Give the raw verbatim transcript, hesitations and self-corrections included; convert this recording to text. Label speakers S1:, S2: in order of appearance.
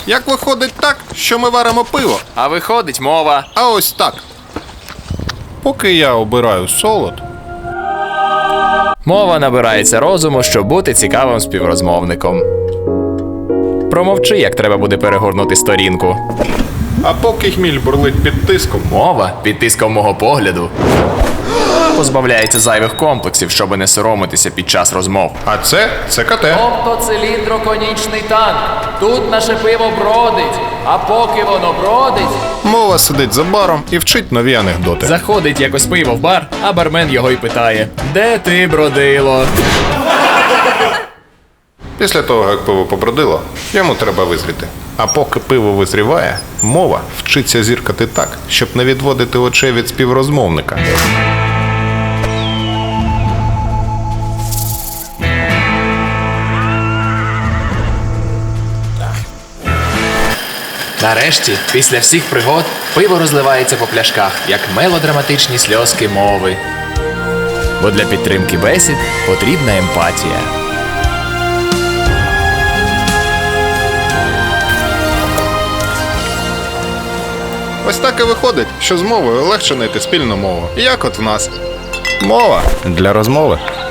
S1: Як виходить так, що ми варимо пиво,
S2: А виходить мова.
S1: а ось так. Поки я обираю солод,
S2: Мова набирається розуму, щоб бути цікавим співрозмовником. Промовчи, як треба буде перегорнути сторінку.
S1: а поки хміль бурлить під тиском,
S2: Мова, під тиском мого погляду, позбавляється зайвих комплексів, щоби не соромитися під час розмов.
S1: а це ЦКТ.
S2: Тобто циліндроконічний танк. Тут наше пиво бродить, а поки воно бродить,
S1: Мова сидить за баром і вчить нові анекдоти.
S2: заходить якось пиво в бар, а бармен його й питає: де ти, бродило?
S1: Після того, як пиво побродило, йому треба визріти. А поки пиво визріває, мова вчиться зіркати так, щоб не відводити очей від співрозмовника.
S2: Нарешті, після всіх пригод, пиво розливається по пляшках, як мелодраматичні сльозки мови. Бо для підтримки бесід потрібна емпатія.
S1: Ось так і виходить, що з мовою легше знайти спільну мову. Як от в нас. Мова для розмови.